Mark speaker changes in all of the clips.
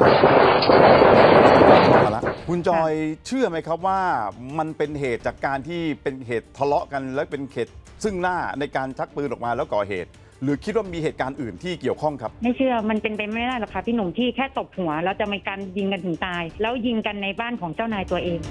Speaker 1: มาละคุณจอยเชื่อไหมครับว่ามันเป็นเหตุจากการที่เป็นเหตุทะเลาะกันและเป็นเหตุซึ่งหน้าในการชักปืนออกมาแล้วก่อเหตุ หรือคิดว่ามีเหตุการณ์อื่นที่เกี่ยวข้องครับ
Speaker 2: ไม่เชื่อมันเป็นไปไม่ได้หรอกค่ะพี่หนุ่มที่แค่ตบหัวแล้วจะมีการยิงกันถึงตายแล้วยิงกันในบ้านของเจ้านายตัวเอง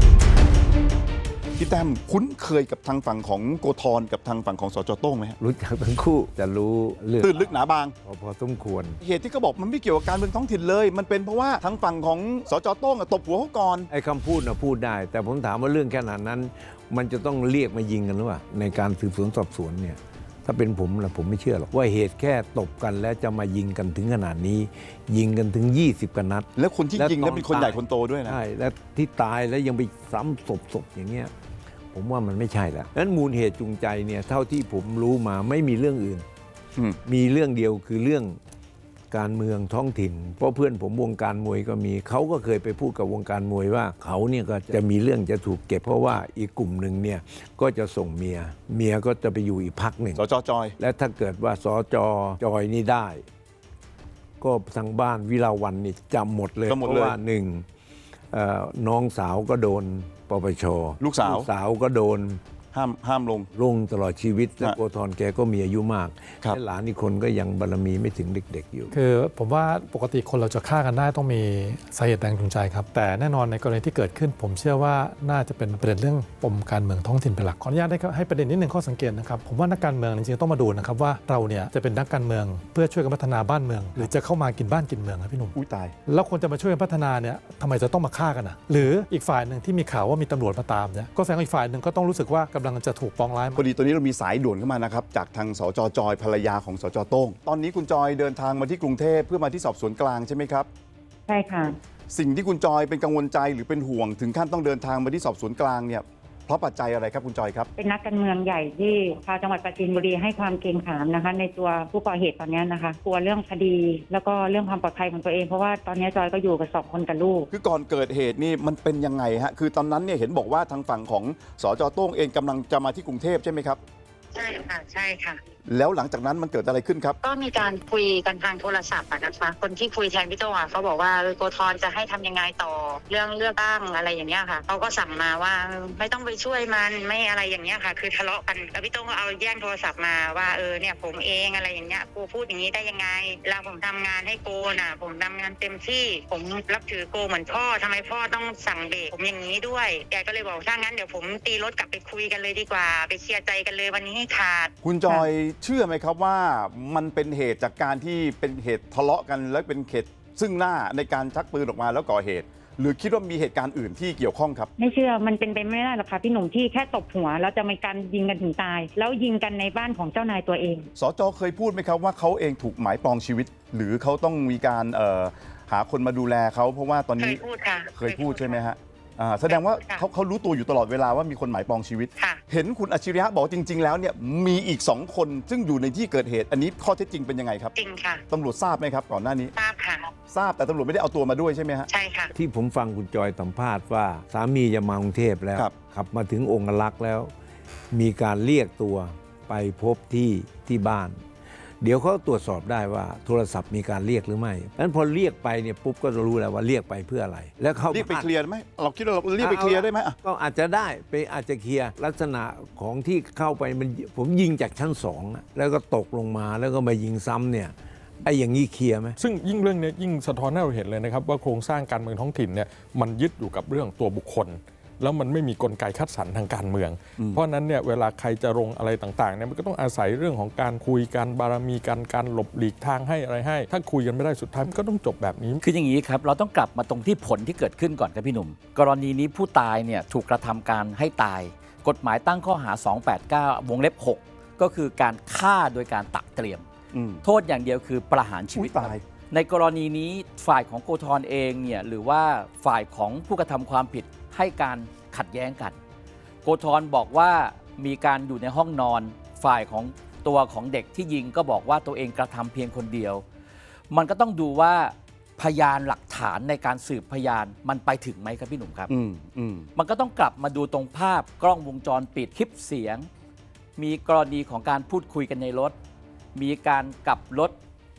Speaker 1: พี่แต้มคุ้นเคยกับทางฝั่งของโกธรกับทางฝั่งของสจโต้งไหมฮะ
Speaker 3: รู้จักทั้งคู่จะรู้เรื่อง
Speaker 1: ตื้นลึกหนาบาง
Speaker 3: พอสมควร
Speaker 1: เหตุที่เขาบอกมันไม่เกี่ยวกับการเมืองท้องถิ่นเลย มันเป็นเพราะว่าทางฝั่งของสจโต้งตบหัวเขาก่อน
Speaker 3: ไอ้คำพูดนะพูดได้ แต่ผมถามว่าเรื่องขนาดนั้น มันจะต้องเรียกมายิงกันหรือเปล่าในการสืบสวนสอบสวนเนี่ยถ้าเป็นผมนะผมไม่เชื่อหรอกว่าเหตุแค่ตบกันแล้วจะมายิงกันถึงขนาดนี้ ยิงกันถึง20กว่านัด
Speaker 1: แล้วคนที่ยิงนั้นเป็นคนใหญ่คนโตด้วยนะ
Speaker 3: ใช่และที่ตายแล้วยังไปซ้ำศพอย่างเงี้ยผมว่ามันไม่ใช่แล้วนั้นมูลเหตุจูงใจเนี่ยเท่าที่ผมรู้มาไม่มีเรื่องอื่นมีเรื่องเดียวคือเรื่องการเมืองท้องถิ่นเพราะเพื่อนผมวงการมวยก็มีเขาก็เคยไปพูดกับวงการมวยว่าเขาเนี่ยก็จะมีเรื่องจะถูกเก็บเพราะว่าอีกกลุ่มหนึ่งเนี่ยก็จะส่งเมียก็จะไปอยู่อีกพรรคหนึ่ง
Speaker 1: สจจอย
Speaker 3: และถ้าเกิดว่าสจจอยนี่ได้ก็ทางบ้านวิลาวันนี่จำหมดเลยเพราะว่าหนึ่งน้องสาวก็โดนปปช.
Speaker 1: ลูกสาว
Speaker 3: ก็โดน
Speaker 1: ห้ามลง
Speaker 3: ตลอดชีวิตและโกธรแกก็มีอายุมากและหลานอีกคนก็ยังบารมีไม่ถึงเด็กๆอยู่
Speaker 4: คือผมว่าปกติคนเราจะฆ่ากันได้ต้องมีสาเหตุแรงจูงใจครับแต่แน่นอนในกรณีที่เกิดขึ้นผมเชื่อว่าน่าจะเป็นประเด็นเรื่องปมการเมืองท้องถิ่นเป็นหลักขออนุญาตให้ประเด็นนิดหนึ่งข้อสังเกตนะครับผมว่านักการเมืองจริงๆต้องมาดูนะครับว่าเราเนี่ยจะเป็นนักการเมืองเพื่อช่วยกันพัฒนาบ้านเมืองหรือจะเข้ามากินบ้านกินเมืองครับพี่หนุ่ม
Speaker 1: อุ้ยตาย
Speaker 4: แล้วคนจะมาช่วยกันพัฒนาเนี่ยทำไมจะต้องมาฆ่ากันอ่ะหรืออีกฝ่ายหนึ่งที่มีข่าวว่ามีตำรวจมาตามเนี่ยก็แสดงว่าอีกฝ่ายหนึ่งก็ต้องรู้สึกว่ากำลังจะถูกปองร้าย
Speaker 1: พอดีตอนนี้เรามีสายด่วนเข้ามานะครับจากทางสจจอยภรรยาของสจโต้งตอนนี้คุณจอยเดินทางมาที่กรุงเทพเพื่อมาที่สอบสวนกลางใช่ไหมครับ
Speaker 2: ใช่ค่ะ
Speaker 1: สิ่งที่คุณจอยเป็นกังวลใจหรือเป็นห่วงถึงขั้นต้องเดินทางมาที่สอบสวนกลางเนี่ยเพราะปัจจัยอะไรครับคุณจอยครับ
Speaker 2: เป็นนักการเมืองใหญ่ที่ชาวจังหวัดปราจีนบุรีให้ความเกรงขามนะคะในตัวผู้ก่อเหตุตอนนี้นะคะกลัวเรื่องคดีแล้วก็เรื่องความปลอดภัยของตัวเองเพราะว่าตอนนี้จอยก็อยู่กับ2 คนกับลูก
Speaker 1: คือก่อนเกิดเหตุนี่มันเป็นยังไงฮะคือตอนนั้นเนี่ยเห็นบอกว่าทางฝั่งของสจโต้งเองกำลังจะมาที่กรุงเทพใช่ไหมครับ
Speaker 2: ใช่ค่ะใช่ค่ะ
Speaker 1: แล้วหลังจากนั้นมันเกิดอะไรขึ้นครับ
Speaker 2: ก็มีการคุยกันทางโทรศัพท์นะคะคนที่คุยแทนพี่โต้งเขาบอกว่าโกธรจะให้ทำยังไงต่อเรื่องเลือกตั้งอะไรอย่างเงี้ยค่ะเขาก็สั่งมาว่าไม่ต้องไปช่วยมันไม่อะไรอย่างเงี้ยค่ะคือทะเลาะกันแล้วพี่โต้งก็เอาแย่งโทรศัพท์มาว่าเนี่ยผมเองอะไรอย่างเงี้ยกูพูดอย่างนี้ได้ยังไงแล้วผมทำงานให้โกน่ะผมทำงานเต็มที่ผมรับถือโกเหมือนพ่อทำไมพ่อต้องสั่งเบรกผมอย่างนี้ด้วยแกก็เลยบอกถ้างั้นเดี๋ยวผมตีรถกลับไปคุยกันเลยดีกว่าไปเคลียร์ใจกันเลยวันนี้ให้ขาด
Speaker 1: คุณจอยเชื่อไหมครับว่ามันเป็นเหตุจากการที่เป็นเหตุทะเลาะกันและเป็นเหตุซึ่งหน้าในการชักปืนออกมาแล้วก่อเหตุ หรือคิดว่ามีเหตุการณ์อื่นที่เกี่ยวข้องครับ
Speaker 2: ไม่เชื่อมันเป็นไปไม่ได้หรอกค่ะพี่หนุ่มที่แค่ตบหัวแล้วจะมีการยิงกันถึงตายแล้วยิงกันในบ้านของเจ้านายตัวเอง
Speaker 1: สจเคยพูดไหมครับว่าเขาเองถูกหมายปองชีวิตหรือเขาต้องมีการหาคนมาดูแลเขาเพราะว่าตอนนี้เคยพูดใช่ไหมฮะแสดงว่าเขารู้ตัวอยู่ตลอดเวลาว่ามีคนหมายปองชีวิตเห็นคุณอัจฉริยะบอกจริงๆแล้วเนี่ยมีอีก2 คนซึ่งอยู่ในที่เกิดเหตุอันนี้ข้อเท็จจริงเป็นยังไงครับ
Speaker 2: จริงค่ะ
Speaker 1: ตำรวจทราบไหมครับก่อนหน้านี้
Speaker 2: ทราบค่ะ
Speaker 1: ทราบแต่ตำรวจไม่ได้เอาตัวมาด้วยใช่ไหมฮะ
Speaker 2: ใช่ค่ะ
Speaker 3: ที่ผมฟังคุณจอยสัมภาษณ์ว่าสามีจะมากรุงเทพแล้วขับมาถึงองค์ลักษณ์แล้ว มีการเรียกตัวไปพบที่บ้านเดี๋ยวเขาตรวจสอบได้ว่าโทรศัพท์มีการเรียกหรือไม่นั้นพอเรียกไปเนี่ยปุ๊บก็จะรู้แล้วว่าเรียกไปเพื่ออะไรแล้วเขา
Speaker 1: เรียกไปเคลียร์ไหมเราคิดว่าเราเรียกไปเคลียร์ได้ไหม
Speaker 3: ก็อาจจะได้ไปอาจจะเคลียร์ลักษณะของที่เข้าไปมันผมยิงจากชั้น2แล้วก็ตกลงมาแล้วก็มายิงซ้ำเนี่ยไอ้อย่างนี้เคลียร์ไหม
Speaker 4: ซึ่งยิ่งเรื่องนี้ยิ่งสะท้อนให้เราเห็นเลยนะครับว่าโครงสร้างการเมืองท้องถิ่นเนี่ยมันยึดอยู่กับเรื่องตัวบุคคลแล้วมันไม่มีกลไกคัดสรรทางการเมืองเพราะนั้นเนี่ยเวลาใครจะลงอะไรต่างๆเนี่ยมันก็ต้องอาศัยเรื่องของการคุยกันบารมีกันการหลบหลีกทางให้อะไรให้ถ้าคุยกันไม่ได้สุดท้ายมันก็ต้องจบแบบนี้
Speaker 5: คืออย่างนี้ครับเราต้องกลับมาตรงที่ผลที่เกิดขึ้นก่อนครับพี่หนุ่มกรณีนี้ผู้ตายเนี่ยถูกกระทำการให้ตายกฎหมายตั้งข้อหา289วงเล็บ6ก็คือการฆ่าโดยการตักเตรียมโทษอย่างเดียวคือประหารชีวิตในกรณีนี้ฝ่ายของโกธรเองเนี่ยหรือว่าฝ่ายของผู้กระทำความผิดให้การขัดแย้งกันโกธรบอกว่ามีการอยู่ในห้องนอนฝ่ายของตัวของเด็กที่ยิงก็บอกว่าตัวเองกระทำเพียงคนเดียวมันก็ต้องดูว่าพยานหลักฐานในการสืบพยานมันไปถึงไหมครับพี่หนุ่มครับมันก็ต้องกลับมาดูตรงภาพกล้องวงจรปิดคลิปเสียงมีกรณีของการพูดคุยกันในรถมีการกลับรถ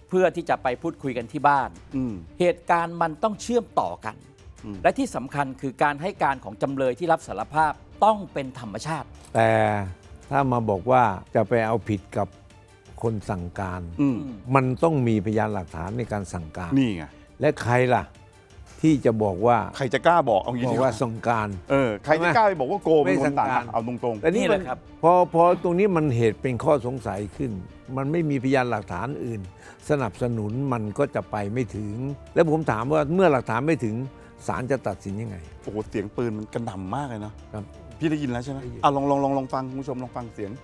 Speaker 5: เพื่อที่จะไปพูดคุยกันที่บ้าน
Speaker 1: อืม
Speaker 5: เหตุการณ์มันต้องเชื่อมต่อกัน
Speaker 1: อืม
Speaker 5: และที่สำคัญคือการให้การของจำเลยที่รับสารภาพต้องเป็นธรรมชาติ
Speaker 3: แต่ถ้ามาบอกว่าจะไปเอาผิดกับคนสั่งการ
Speaker 1: อืม
Speaker 3: มันต้องมีพยานหลักฐานในการสั่งการ
Speaker 1: นี่ไง
Speaker 3: และใครล่ะ ที่จะบอกว่า
Speaker 1: ใครจะกล้าบอกเอางี้
Speaker 3: บอก
Speaker 1: ดีก
Speaker 3: ว่า
Speaker 1: ว่า
Speaker 3: สั่งการ
Speaker 1: ใครจะกล้าไปบอกว่าโกเป็นคนต่าง
Speaker 3: ไม่สั่งการ
Speaker 1: เอาตรง
Speaker 3: แต่นี่
Speaker 5: นี่แห
Speaker 3: มัน
Speaker 5: ละครับ
Speaker 3: พอตรงนี้มันเหตุเป็นข้อสงสัยขึ้น มันไม่มีพยานหลักฐานอื่น สนับสนุนมันก็จะไปไม่ถึง แล้วผมถามว่าเมื่อหลักฐานไม่ถึงศาลจะตัดสินยังไง
Speaker 1: ๆโอ้โหเสียงปืนมันกระหน่ำมากเลยเนาะ
Speaker 3: ครับ
Speaker 1: พี่ได้ยินแล้วใช่ไหม
Speaker 3: ได้ยิน
Speaker 1: ลองฟังคุณผู้ชมลองฟังเสียง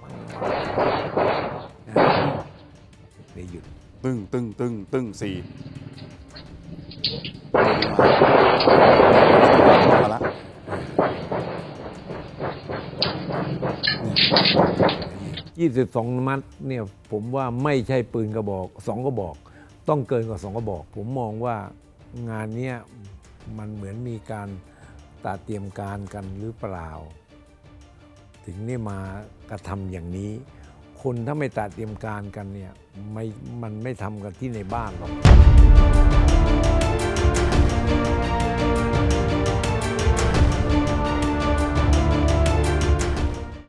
Speaker 3: ได้หยุด
Speaker 1: ตึ้งสี่มาละ
Speaker 3: 22 นัดเนี่ยผมว่าไม่ใช่ปืนกระบอก2กระบอก ต้องเกินกว่า2กระบอก ผมมองว่างานเนี้ยมันเหมือนมีการตเตรียมการกันหรือเปล่า ถึงนี่มากระทำอย่างนี้ คนถ้าไม่ตเตรียมการกันเนี่ยมันไม่ทำกันที่ในบ้านหรอก